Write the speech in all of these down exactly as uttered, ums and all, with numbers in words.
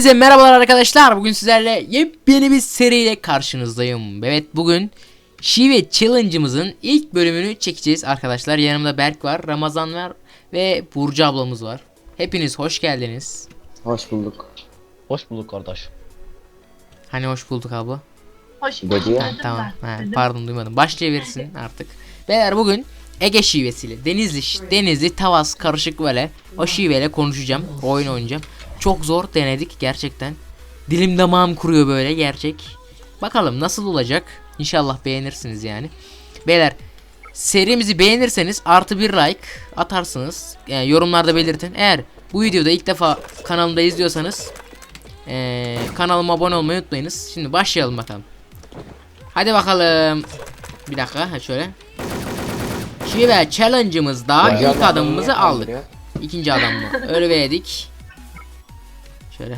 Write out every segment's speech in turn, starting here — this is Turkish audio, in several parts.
Hepinize merhabalar arkadaşlar. Bugün sizlerle yepyeni bir seriyle karşınızdayım. Evet, bugün şive challenge'ımızın ilk bölümünü çekeceğiz arkadaşlar. Yanımda Berk var, Ramazan var ve Burcu ablamız var. Hepiniz hoş geldiniz. Hoş bulduk. Hoş bulduk kardeş. Hani hoş bulduk abla. Hoş Dedi ya. Ha, tamam. Ha, pardon, duymadım. Başlayabilirsin artık. Beyler, bugün Ege şivesiyle Denizli Denizli Tavas karışık böyle o şiveyle konuşacağım. Oyun oynayacağım. Çok zor denedik gerçekten. Dilim damağım kuruyor böyle gerçek. Bakalım nasıl olacak. İnşallah beğenirsiniz yani. Beyler, serimizi beğenirseniz artı bir like atarsınız. Yani yorumlarda belirtin. Eğer bu videoda ilk defa kanalımda izliyorsanız ee, kanalıma abone olmayı unutmayınız. Şimdi başlayalım bakalım. Hadi bakalım. Bir dakika, ha şöyle. Şive challenge'ımızda Ya, ilk adımımızı aldık. ya. İkinci adam mı? Öyle verdik. Şöyle.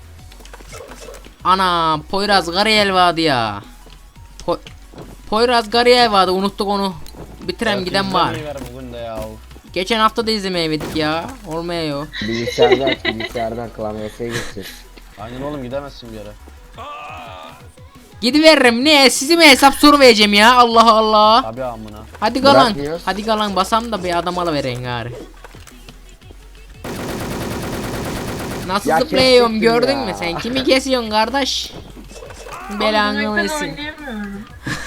Ana, Poyraz Gariyel vardı ya. Po Poyraz Gariyel vardı, unuttuk onu. Bitirem giden var. Bugün de ya. Geçen hafta da izlemeyemedik ya. Olmuyor. Bilgisayardan, bilgisayardan klavyesine geçeceğiz. Aynen oğlum, gidemezsin bir yere. Gidiveririm, ne? Sizi mi hesap soru vereceğim ya? Allah Allah. Tabi amına. Hadi galan. Bırakmıyoruz. Hadi galan basam da bir adam alıvereyim gari. Nasıl Ya zıplıyorum kesecektim gördün ya. mü sen? Kimi kesiyorsun kardeş? Belanı Ben versin. oynayamıyorum.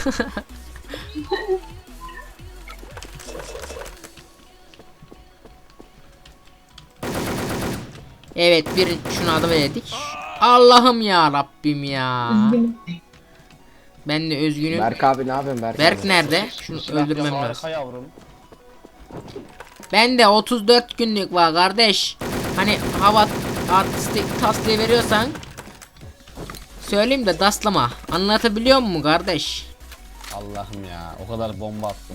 Evet, bir şunu adı verdik. Allah'ım ya Rabbim ya. Ben de üzgünüm. Berk abi ne yapıyorsun Berk? Berk abi? nerede? Şunu Silah öldürmem ya, lazım. harika yavrum. Ben de otuz dört günlük var kardeş. Hani hava artistik tas diye veriyorsan söyleyeyim de daslama. Anlatabiliyor muyum kardeş? Allah'ım ya, o kadar bomba attım.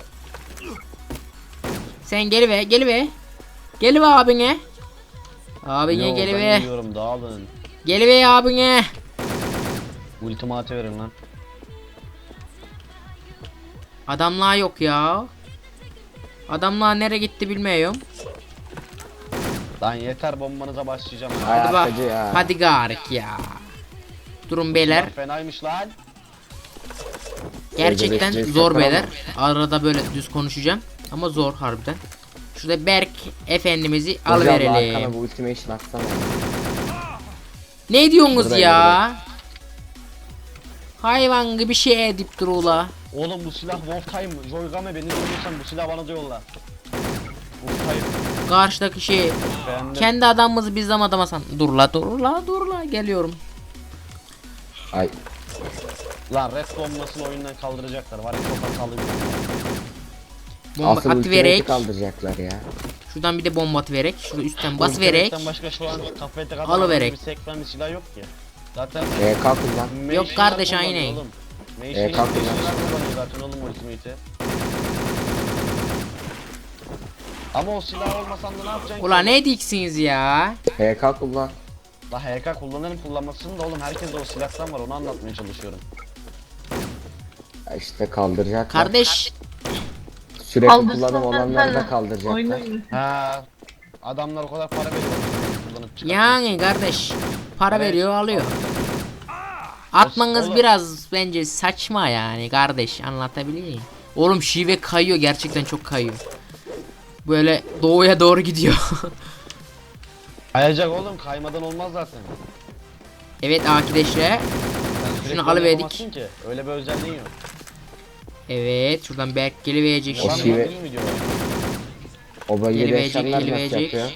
Sen geliver, geliver. Geliver abine. Abine Yo, ben geliver. gidiyorum, dağılın. Geliver abine. Ultimatı verin lan. Adamlar yok ya. Adamlar nereye gitti bilmiyorum. Lan yeter, bombanıza başlayacağım. Ay, Hadi bak. arkacı ya. Hadi garik ya. Durun beyler. Silah fenaymış lan. Gerçekten Öyle bekleyin, zor sakın beyler. ama. Arada böyle düz konuşacağım. Ama zor harbiden. Şurada Berk efendimizi Hocam, arkana alıverelim. bu ultimation atsana. Ne diyorsunuz Burada, ya? Hayvan gibi şey edip dur ula. Oğlum bu silah Wolftime. Joygame, beni dinliyorsan bu silah bana da yolla. Wolftime. Karşıdaki şey Beğendim. kendi adamımızı biz adamasan. Dur la dur la dur la geliyorum. Ay Lan red bombasını oyundan kaldıracaklar. Var ya, çok hatalı bir bomba. Bomba asıl at ultimate'i verek. kaldıracaklar ya. Şuradan bir de bomba at verek. Şurada üstten bas Ultimate'den verek. başka şu an kafaya tek Alıverek. bir sekmen bir silah yok ki. Zaten E kalk lan. Yok kardeş, kullanıyor aynen. oğlum. E, Machine'ler kalk lan. kullanıyor zaten oğlum ultimate'i. Ama o silah olmasan da ne yapacaksın Ula ki? ne diksiniz ya? E kalk lan. La H K kullanırım kullanmasın da oğlum, herkes de o silahtan var, onu anlatmaya çalışıyorum. Ya işte kaldıracaklar. Kardeş Sürekli Kaldırsana kullanım olanları da sen. kaldıracaklar. Oynayın. Ha, adamlar o kadar para veriyor kullanıp çıkartmak. yani kardeş para Evet. veriyor alıyor. Atmanız Oğlum. biraz bence saçma yani kardeş, anlatabiliyor muyum? Oğlum şive kayıyor, gerçekten çok kayıyor. Böyle doğuya doğru gidiyor. Kayacak oğlum, kaymadan olmaz zaten. Evet arkadaşlar. Sen sürekli Şunu alıverdik. oynayamazsın ki, öyle bir özelliğin yok. Evet, şuradan Berk geliverecek O Ulan şimdi. şive- gördün mü diyor. O bölgede Geliverecek, yaşayanlar nasıl geliverecek. yapıyor?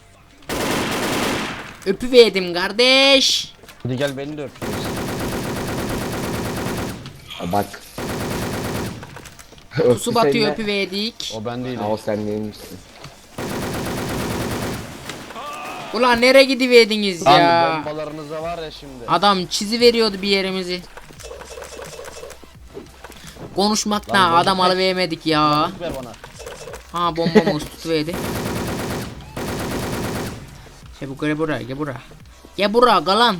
Öpüverdim kardeş. Hadi gel beni de öpüyoruz. Ha, bak. Su batıyor, Öptü öpüverdik. O ben değilim. Ha, o sen değilmişsin. Ulan nereye gidiverdiniz Lan ya? bombalarınıza var ya şimdi. Adam çizi veriyordu bir yerimizi. Konuşmaktan Lan bomba adam kaç? alıvermedik ya. Ver bana. Ha, bombamız tutuverdi. Şey bu gel buraya, gel buraya. Gel buraya galan.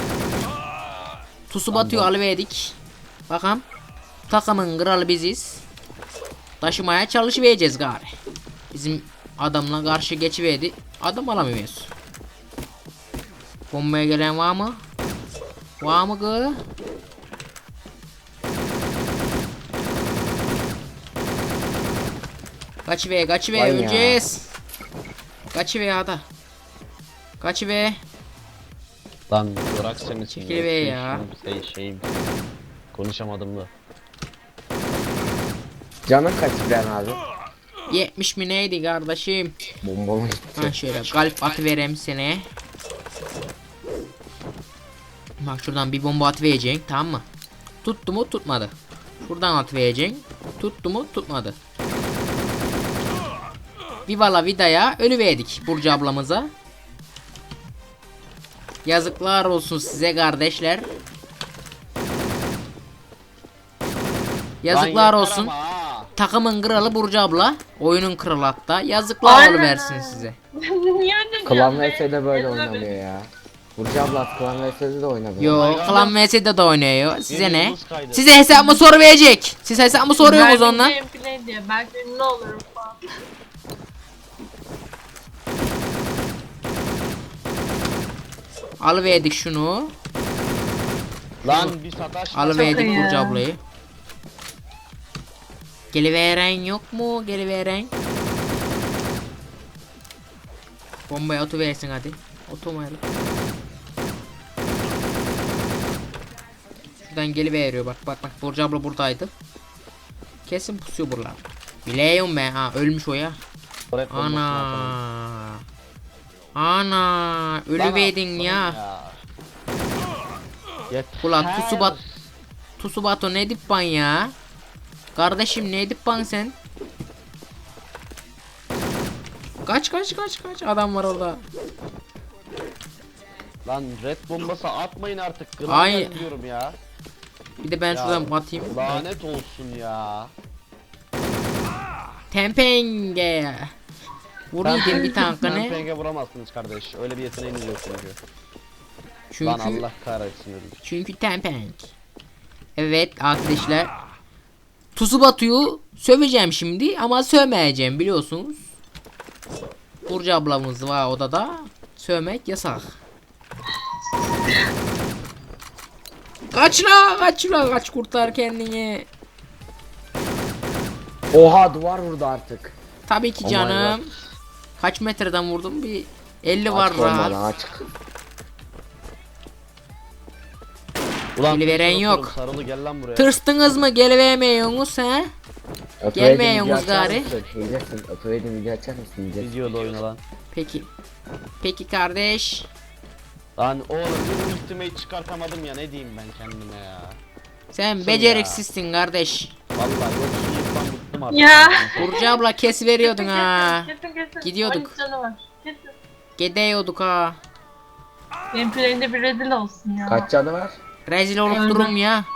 Tusu batıyor, alıverdik. Bakalım. Takımın kralı biziz. Taşımaya çalışıvereceğiz gari. Bizim adamla karşı geçiverdi. Adam alamıyoruz. Bombaya gelen var mı? Var mı kız? Kaç ve kaç ve Vay ya. öleceğiz. Kaç ve hadi. Kaç ve. Lan bırak seni. Çekil be ya. Şey, şeyim. Konuşamadım da. Canın kaç İbrahim abi? yetmiş mi neydi kardeşim? Bombama Ha gitti. şöyle kalp atıvereyim seni. Bak şuradan bir bomba atıvereceksin, tamam mı? Tuttu mu tutmadı. Şuradan atıvereceksin. Tuttu mu tutmadı. Vivala Vida'ya ölüverdik Burcu ablamıza. Yazıklar olsun size kardeşler. Yazıklar Lan yeter olsun. ama ha. Takımın kralı Burcu abla. Oyunun kralı hatta. Yazıklar Aynen. oluversin size. Niye öyle Klan diyorsun V be? S'de böyle Ezme oynanıyor beni. ya. Burcu abla Klan V S'de de oynanıyor. Yo, Aynen. Klan V S'de de oynuyor. Size Benim ne? yıldız kaydı. Size hesap mı soru verecek? Siz hesap mı soruyorsunuz Belki ondan? gameplay diye. Belki ünlü olurum falan. Alıverdik şunu. Lan bir sataş. Alıverdik iyi Burcu ya. ablayı. Geliveren yok mu? Geliveren. Bombayı atıversin hadi. Otomayla. Şuradan geliveriyor bak bak bak. Burcu abla buradaydı. Kesin pusuyor buralar. Biliyorum ben ha, ölmüş o ya. Ana. Ana. Ölüverdin ya. Ulan Tusubat. Tusubato ne dippan ya? Kardeşim ne dippan sen? Kaç kaç kaç kaç adam var orada. Lan red bombası atmayın artık. Klan Ay. geldi diyorum ya. Bir de ben Ya, şuradan atayım. Lanet olsun ya. Tempenge. Vuruyordum bir tankını. Penge vuramazsınız kardeş. Öyle bir yeteneğiniz yok çünkü. Çünkü Lan Allah kahretsin öyle. çünkü tempeng. Evet arkadaşlar. Tsubatu'yu söveceğim şimdi ama sövmeyeceğim biliyorsunuz. Burcu ablamız var odada. Sövmek yasak. Kaç la kaç la kaç kurtar kendini. Oha duvar vurdu artık. Tabii ki Oh my canım. Kaç metreden vurdum? Bir elli var Açık olmalı, rahat. açık. Ulan Geliveren bir yok. soru Sarılı gel lan buraya. Tırsınız mı gelivermiyorsunuz he? Öpüverdim, Gelmeyin video açar gari. mısın? Hilesın. Öpüverdim, video açar mısın? Hilesın. Videoda oyna lan. Peki. Peki kardeş. Lan oğlum bir ultimate çıkartamadım ya, ne diyeyim ben kendime ya. Sen Kim beceriksizsin kardeş. Vallahi yok şu yıktan bıktım artık. Ya. Burcu abla kes veriyordun ha. Kesin kesin. Gidiyorduk. on üç canı var. Kesin. Gidiyorduk ha. Gameplay'inde bir rezil olsun ya. Kaç canı var? Rezil olup Öldüm. durum ya.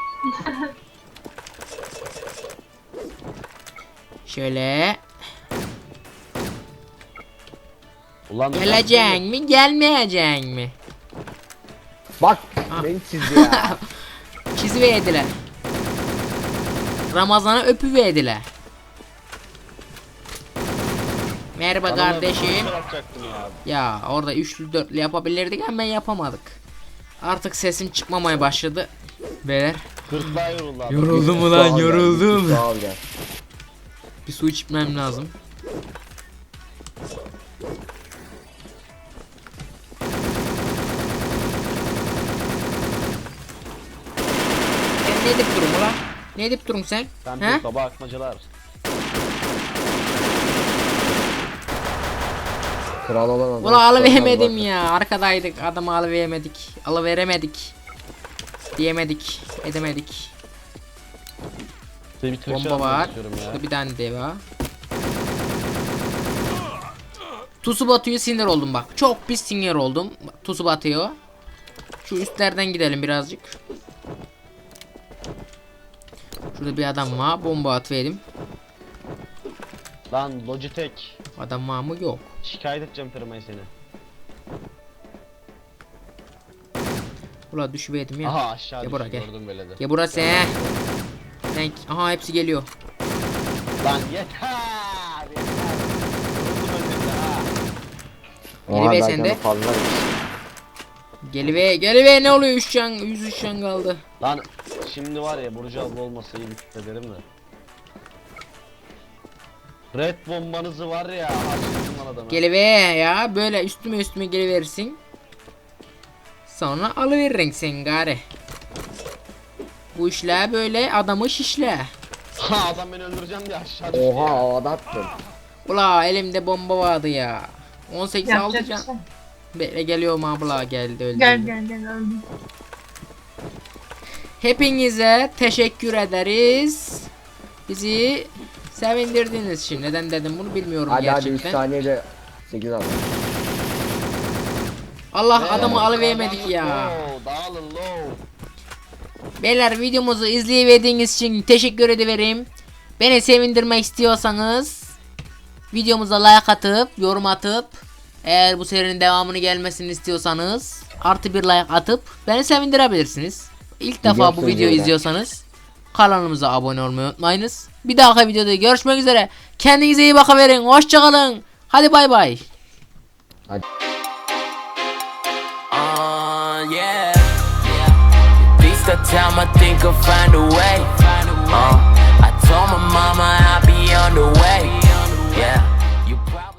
Şöyle. Ulan Geleceksin mi gelmeyeceksin mi? Bak Ah. beni çizdi ya. Çiziverdiler. Ramazan'a öpüverdiler. Merhaba Bana kardeşim. ne yapacaktım ya. Ya orada üçlü dörtlü yapabilirdik ama yapamadık. Artık sesim çıkmamaya başladı. Beyler. Gırtlağa yoruldu adam. Yoruldum Sağ ulan ol gel, yoruldum. Sağ ol gel. Bir su içmem lazım. Sen ne edip durun ulan? Ne edip durun sen? Sen He? bir baba akmacılar. Kral olan adam. Ulan alıveremedim Bak. ya. Arkadaydık. Adamı alıveremedik. Alıveremedik. Diyemedik. Edemedik. Size bir Türkçe Bomba anlatmak var. istiyorum ya. Şurada bir tane de var. Tsubatu'yu sinir oldum bak. Çok pis sinir oldum. Tsubatu'yu. Şu üstlerden gidelim birazcık. Şurada bir adam var. Bomba atıverdim. Lan Logitech. Adam var mı? Yok. Şikayet edeceğim firmayı seni. Ula düşüverdim ya. Aha aşağı Gel düştü, buraya, gel. gördüm böyle de. Gel burası he. Sen... Aha hepsi geliyor. Lan yeter. Yeter. Yoruldum önünde ha. Oha, Biri be ben sende. canı fazlaymış. Gelive gelive ne oluyor üç can yüz üç can kaldı. Lan şimdi var ya Burcu abla olmasa iyi bir küfrederim de. Red bombanızı var ya harcadım lan adamı. Gelive ya böyle üstüme üstüme geliverirsin. Sonra alıveririn sen gari. Bu işler böyle adamı şişle. Ha adam beni öldüreceğim diye aşağı düştü Oha ya. havada attım. Ula elimde bomba vardı ya. on sekiz altı Yapacak bir can. şey. Bekle geliyorum abla geldi öldü. Gel gel gel öldüm. Hepinize teşekkür ederiz. Bizi sevindirdiniz şimdi. Neden dedim bunu bilmiyorum Hadi hadi üç gerçekten. saniyede sekiz al. Allah Ee, adamı alıvermedik ya. Low, dağılın low. Beyler videomuzu izleyemediğiniz için teşekkür ederim. Beni sevindirmek istiyorsanız videomuza like atıp yorum atıp eğer bu serinin devamını gelmesini istiyorsanız artı bir like atıp beni sevindirebilirsiniz. İlk defa bu Biliyorsunuz videoyu öyle. izliyorsanız kanalımıza abone olmayı unutmayınız. Bir dahaki videoda görüşmek üzere. Kendinize iyi bakıverin. Hoşçakalın. Hadi bay bay. Hadi. Uh, yeah. These the time I think I'll find a way. Uh, I told my mama I'll be on the way. Yeah.